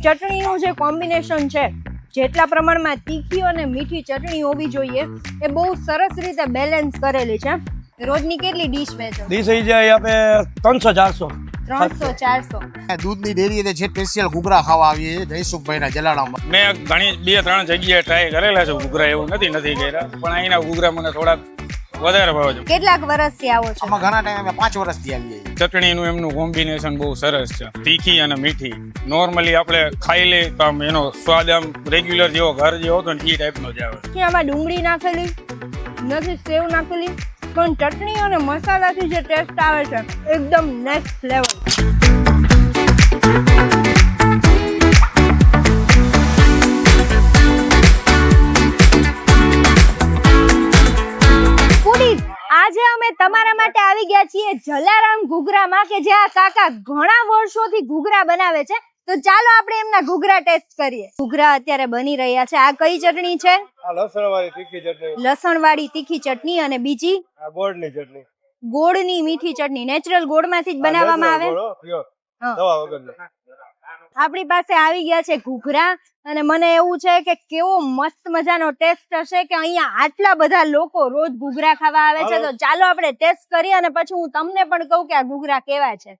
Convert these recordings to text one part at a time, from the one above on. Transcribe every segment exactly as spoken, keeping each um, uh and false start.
ચટણીનું જે કોમ્બિનેશન છે, જેટલા પ્રમાણમાં તીખી અને મીઠી ચટણી હોવી જોઈએ એ બહુ સરસ રીતે બેલેન્સ કરેલી છે. રોજની કેટલી ડીશ વેચો? ડીશ થઈ જાય આપણે ત્રણસો ચારસો ત્રણસો ચારસો. દૂધની ડેરી છે સ્પેશિયલ ઘૂઘરા ખાવા આવીએ છીએ જયસુખભાઈના જલારામમાં. મેં ઘણી બે ત્રણ જગ્યાએ ટ્રાય કરેલા છે ઘૂઘરા, એવું નથી નથી કર્યા, પણ અહીંના ઘૂઘરા મને થોડાક વધારે ભાવે છે. કેટલાક વર્ષથી આવો છો? આમાં ઘણા ટાઈમ અમે પાંચ વર્ષથી આવીએ છીએ. ચટણીનું એમનું કોમ્બિનેશન બહુ સરસ છે, તીખી અને મીઠી. નોર્મલી આપણે ખાઈ લઈએ તો આમ એનો સ્વાદ આમ રેગ્યુલર જેવો ઘર જેવો હતો ને એ ટાઈપનો જ આવે. કે આમાં ડુંગળી નાખેલી નથી, સેવ નાખેલી, પણ ચટણી અને મસાલાથી જે ટેસ્ટ આવે છે એકદમ નેક્સ્ટ લેવલ. આજે અમે તમારા માટે આવી ગયા છીએ જલારામ ઘૂઘરામાં, કે જ્યાં કાકા ઘણા વર્ષોથી ઘૂઘરા બનાવે છે. તો ચાલો આપણે એમના ઘૂઘરા ટેસ્ટ કરીએ. ઘૂઘરા અત્યારે બની રહ્યા છે. આ કઈ ચટણી છે? આ લસણવાળી તીખી ચટણી. લસણવાળી તીખી ચટણી. અને બીજી આ ગોળની ચટણી. ગોળની મીઠી ચટણી. નેચરલ ગોળમાંથી જ બનાવવામાં આવે. દવા વગરની. આપણી પાસે આવી ગયા છે ઘૂઘરા, અને મને એવું છે કે કેવો મસ્ત મજાનો ટેસ્ટ હશે કે અહીંયા આટલા બધા લોકો રોજ ઘૂઘરા ખાવા આવે છે. તો ચાલો આપણે ટેસ્ટ કરીએ અને પછી હું તમને પણ કહું કે આ ઘૂઘરા કેવા છે.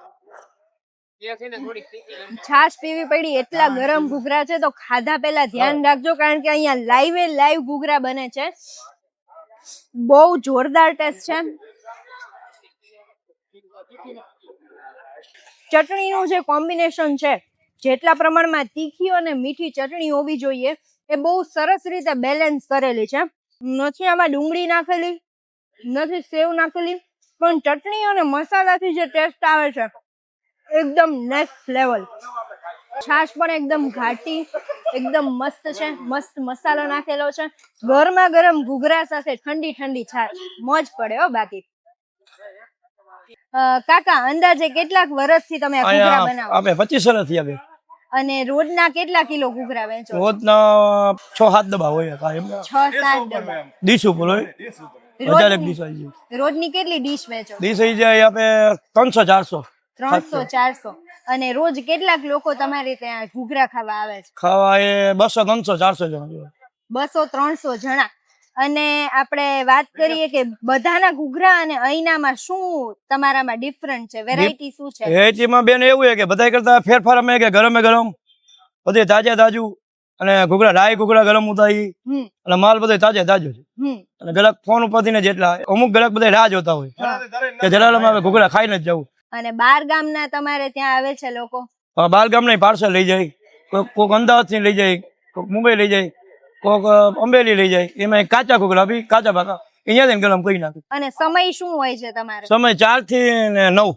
છાશ પીવી પડી, એટલા ગરમ ઘૂઘરા છે. તો ખાધા પહેલા ધ્યાન રાખજો, કારણ કે અહીંયા લાઈવે લાઈવ ઘૂઘરા બને છે. બહુ જોરદાર ટેસ્ટ છે. ચટણીનું જે કોમ્બિનેશન છે, જેટલા પ્રમાણમાં તીખી અને મીઠી ચટણી હોવી જોઈએ એ બહુ સરસ રીતે બેલેન્સ કરેલી છે. નથી આમાં ડુંગળી નાખેલી, નથી સેવ નાખેલી, પણ ચટણી અને મસાલાથી જે ટેસ્ટ આવે છે એકદમ નેક્સ્ટ લેવલ. છાશ પણ એકદમ ઘાટી, એકદમ મસ્ત છે. મસ્ત મસાલો નાખેલો છે. ગરમા ગરમ ઘૂઘરા સાથે ઠંડી ઠંડી છાશ, મોજ પડે હો. બાકી કાકા અંદાજે કેટલાક વર્ષથી તમે આ ઘૂઘરા બનાવો? આપણે પચીસ વર્ષથી આવે. અને રોજના કેટલા કિલો ઘૂઘરા વેચો? રોજના છ સાત ડબ્બા હોય. છ સાત ડબ્બા ડીશ ઉપર હોય. હજાર એક ડીશ આવી જાય. રોજની કેટલી ડીશ વેચો? ડીશ થઈ જાય આપણે ત્રણસો ચારસો ત્રણસો ચારસો. અને રોજ કેટલાક લોકો તમારે ત્યાં ઘૂઘરા ખાવા આવે છે? ખાવા એ બસો ત્રણસો ચારસો જણા. બસો ત્રણસો જણા. અને આપણે વાત કરીએ કે બધાના ઘૂઘરા અને અહીંનામાં શું તમારામાં ડિફરન્ટ છે? વેરાયટી શું છે? વેરાયટીમાં બેન એવું છે કે બધા કરતા ફેરફાર અમે કે ગરમે ગરમ બધે તાજે તાજું, અને ઘૂઘરા રાઈ ઘૂઘરા ગરમ ઉતારી, અને માલ બધે તાજે તાજો છે. અને ગ્રાહક ફોન ઉપરથી ને જેટલા અમુક ગ્રાહક બધા રાહ જોતા હોય કે જલારામ આવે ઘૂઘરા ખાઈને જ જવું. અને બાર ગામના તમારે ત્યાં આવે છે લોકો? બાર ગામના પાર્સલ લઈ જાય, કોઈક અમદાવાદ થી લઈ જાય, કોઈક મુંબઈ લઈ જાય, કોક અમરેલી લઈ જાય. એમાં કાચા ઘૂઘરા બી કાચા પાકા અહીંયા ગરમ કરી નાખે. અને સમય શું હોય છે તમારો? સમય ચાર થી નવ.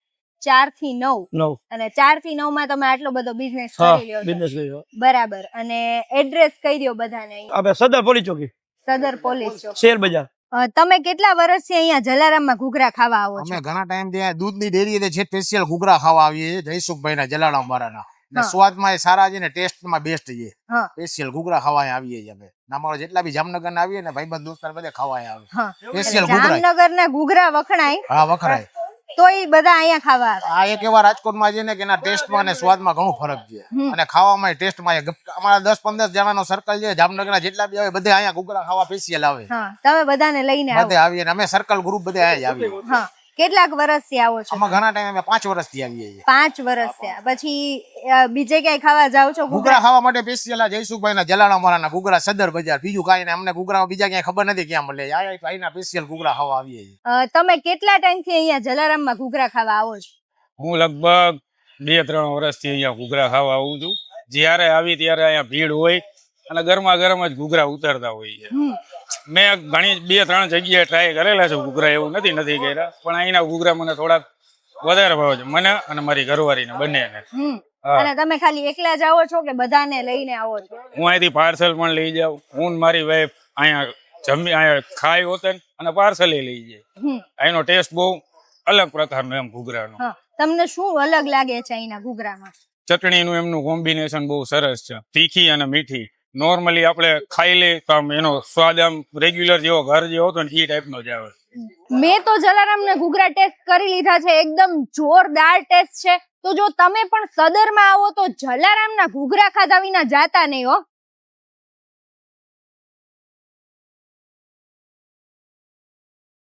ચાર થી નવ. નવ. અને ચાર થી નવ માં તમે આટલો બધો બિઝનેસ કરી લ્યો? બિઝનેસ કર્યો. બરાબર. અને એડ્રેસ કહી દો બધાને. આપણે સદર પોલીસ ચોકી. સદર પોલીસ ચોકી, શેર બજાર. તમે કેટલા વર્ષથી અહીંયા જલારામમાં ઘૂઘરા ખાવા આવો છો? અમે ઘણા ટાઈમ થી દૂધની ડેરી છે સ્પેશિયલ ઘૂઘરા ખાવા આવીએ છીએ જયસુખભાઈના જલારામ વાળાના. સ્વાદમાં એ સારા છે ને ટેસ્ટમાં બેસ્ટ છે. સ્પેશિયલ ઘૂઘરા ખાવા આવીએ છીએ અમે. અમારા જેટલા બી જામનગર ના આવીએ ને ભાઈબંધ દોસ્તાર બધે ખાવા આવે. સ્પેશિયલ ઘૂઘરા. જામનગર ના ઘૂઘરા વખણાય? હા વખણાય. તો એ બધા અહીંયા ખાવા આવે? આ એક એવા રાજકોટમાં છે ને કે એના ટેસ્ટમાં અને સ્વાદમાં ઘણો ફરક છે, અને ખાવામાં ટેસ્ટમાં. અમારા દસ પંદર જણાનો સર્કલ છે જામનગરના, જેટલા બી આવે બધા અહીંયા ઘૂઘરા ખાવા સ્પેશિયલ આવે. તમે બધાને લઈને આવો? બધે આવીએ. અમે સર્કલ ગ્રુપ બધે અહીંયા જ આવીએ. કેટલાક વર્ષથી આવો છો? આમાં ઘણા ટાઈમ અમે પાંચ વર્ષથી આવીએ છીએ. પાંચ વર્ષ થયા. પછી બીજે ક્યાંય ખાવા જાવ છો? ઘૂઘરા ખાવા માટે સ્પેશિયલ જયસુખભાઈના જલારામ વાળાના ઘૂઘરા સદર બજાર. બીજું કાંઈ ને અમને ઘૂઘરા બીજા ક્યાંય ખબર નથી ક્યાં મળે. અહીંના સ્પેશિયલ ઘૂઘરા ખાવા આવીએ છીએ. તમે કેટલા ટાઈમથી અહીંયા જલારામમાં ઘૂઘરા ખાવા આવો છો? હું લગભગ બે ત્રણ વર્ષથી અહીંયા ઘૂઘરા ખાવા આવું છું. જ્યારે આવી ત્યારે અહીંયા ભીડ હોય અને ગરમા ગરમ જ ઘૂઘરા ઉતરતા હોય છે. મેં ઘણી બે ત્રણ જગ્યાએ ટ્રાય કરેલા છે ઘૂઘરા, એવું નથી નથી કર્યા, પણ અહીંના ઘૂઘરા મને થોડાક વધારે ભાવે છે, મને અને મારી ઘરવાળીને બંનેને. અને તમે ખાલી એકલા જ આવો છો કે બધાને લઈને આવો છો? હું અહીંથી પાર્સલ પણ લઈ જાઉં. હું મારી વાઈફ અહીંયા જમી અહીંયા ખાઈ હોતે અને પાર્સલ લઈ જાય. અહીંનો ટેસ્ટ બહુ અલગ પ્રકારનો એમ ઘૂઘરાનો. તમને શું અલગ લાગે છે અહીંના ઘૂઘરામાં? ચટણીનું એમનું કોમ્બિનેશન બહુ સરસ છે, તીખી અને મીઠી. નોર્મલી આપણે ખાઈ લઈએ તો આમ એનો સ્વાદ આમ રેગ્યુલર જેવો ઘર જેવો હતો ને એ ટાઈપનો જ આવે. મેં તો જલારામના ઘૂઘરા ટેસ્ટ કરી લીધા છે, એકદમ જોરદાર ટેસ્ટ છે. તો જો તમે પણ સદરમાં આવો તો જલારામના ઘૂઘરા ખાધા વિના જાતા નહીં હો.